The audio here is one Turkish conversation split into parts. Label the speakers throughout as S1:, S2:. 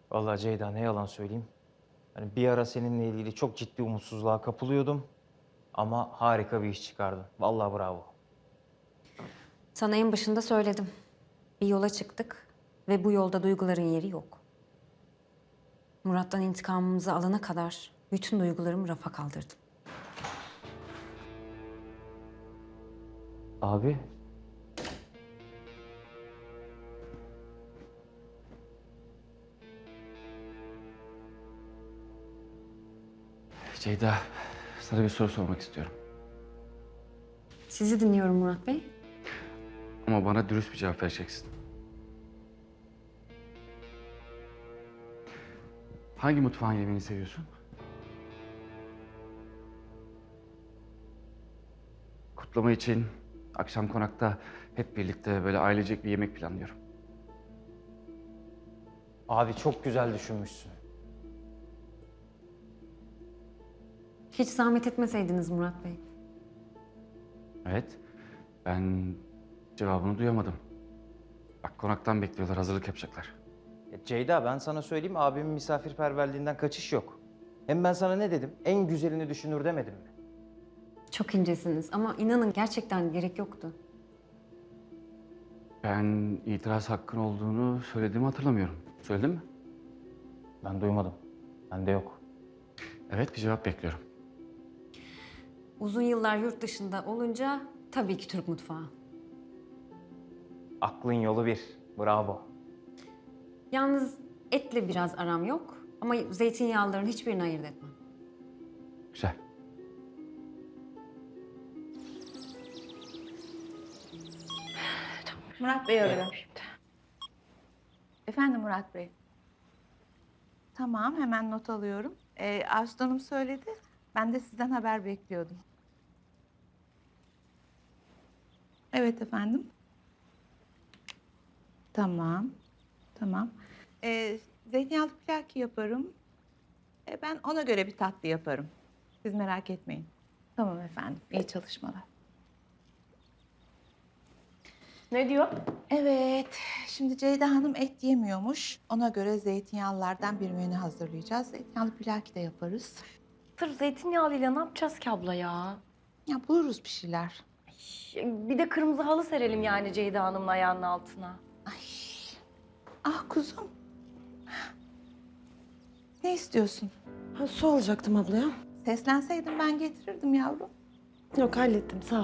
S1: Vallahi Ceyda ne yalan söyleyeyim. Hani bir ara seninle ilgili çok ciddi umutsuzluğa kapılıyordum. Ama harika bir iş çıkardın. Vallahi bravo.
S2: Sana en başında söyledim. Bir yola çıktık ve bu yolda duyguların yeri yok. Murat'tan intikamımızı alana kadar bütün duygularımı rafa kaldırdım.
S1: Abi.
S3: Ceyda, sana bir soru sormak istiyorum.
S2: Sizi dinliyorum Murat Bey.
S3: Ama bana dürüst bir cevap vereceksin. Hangi mutfağın yemeğini seviyorsun? Kutlama için akşam konakta hep birlikte böyle ailecek bir yemek planlıyorum.
S1: Abi çok güzel düşünmüşsün.
S2: Hiç zahmet etmeseydiniz Murat Bey.
S3: Evet, ben cevabını duyamadım. Bak konaktan bekliyorlar, hazırlık yapacaklar.
S1: Ceyda ben sana söyleyeyim abimin misafirperverliğinden kaçış yok. Hem ben sana ne dedim? En güzelini düşünür demedim mi?
S2: Çok incesiniz ama inanın gerçekten gerek yoktu.
S3: Ben itiraz hakkın olduğunu söylediğimi hatırlamıyorum. Söyledim mi?
S1: Ben duymadım. Bende yok.
S3: Evet, bir cevap bekliyorum.
S2: Uzun yıllar yurt dışında olunca tabii ki Türk mutfağı.
S1: Aklın yolu bir. Bravo.
S2: Yalnız etle biraz aram yok ama zeytinyağlıların hiçbirini ayırt etmem.
S3: Güzel.
S4: Murat Bey arıyor. Efendim Murat Bey. Tamam, hemen not alıyorum. Aslı Hanım söyledi. Ben de sizden haber bekliyordum. Evet efendim. Tamam, tamam. Zeytinyağlı plaki yaparım. Ben ona göre bir tatlı yaparım. Siz merak etmeyin. Tamam efendim, iyi çalışmalar.
S5: Ne diyor?
S4: Evet, şimdi Ceyda Hanım et yemiyormuş. Ona göre zeytinyağlılardan bir menü hazırlayacağız. Zeytinyağlı plaki de yaparız.
S5: Sırf zeytinyağlıyla ne yapacağız ki abla ya?
S4: Ya buluruz bir şeyler.
S5: Bir de kırmızı halı serelim yani Ceyda Hanım'ın ayağının altına.
S4: Ay, ah kuzum. Ne istiyorsun?
S6: Ha, su alacaktım ablaya.
S4: Seslenseydin ben getirirdim yavrum.
S6: Yok hallettim sağ ol.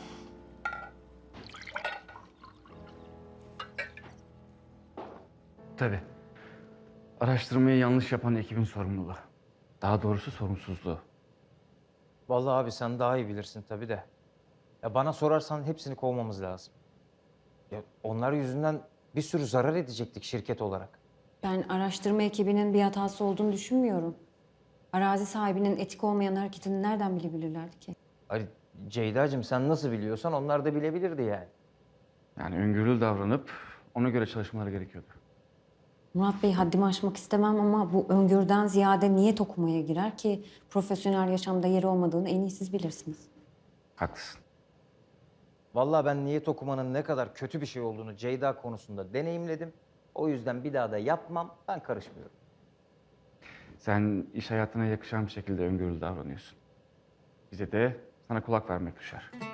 S3: Tabii. Araştırmayı yanlış yapan ekibin sorumluluğu. Daha doğrusu sorumsuzluğu.
S1: Vallahi abi sen daha iyi bilirsin tabii de. Ya bana sorarsan hepsini kovmamız lazım. Ya onlar yüzünden bir sürü zarar edecektik şirket olarak.
S2: Ben araştırma ekibinin bir hatası olduğunu düşünmüyorum. Arazi sahibinin etik olmayan hareketini nereden bilebilirlerdi ki?
S1: Hani Ceyda'cığım sen nasıl biliyorsan onlar da bilebilirdi yani.
S3: Yani öngörülü davranıp ona göre çalışmaları gerekiyordu.
S2: Murat Bey haddimi aşmak istemem ama bu öngörüden ziyade niyet okumaya girer ki profesyonel yaşamda yeri olmadığını en iyi siz bilirsiniz.
S3: Haklısın.
S1: Vallahi ben niyet okumanın ne kadar kötü bir şey olduğunu Ceyda konusunda deneyimledim. O yüzden bir daha da yapmam, ben karışmıyorum.
S3: Sen iş hayatına yakışan bir şekilde öngörülü davranıyorsun. Bize de sana kulak vermek düşer.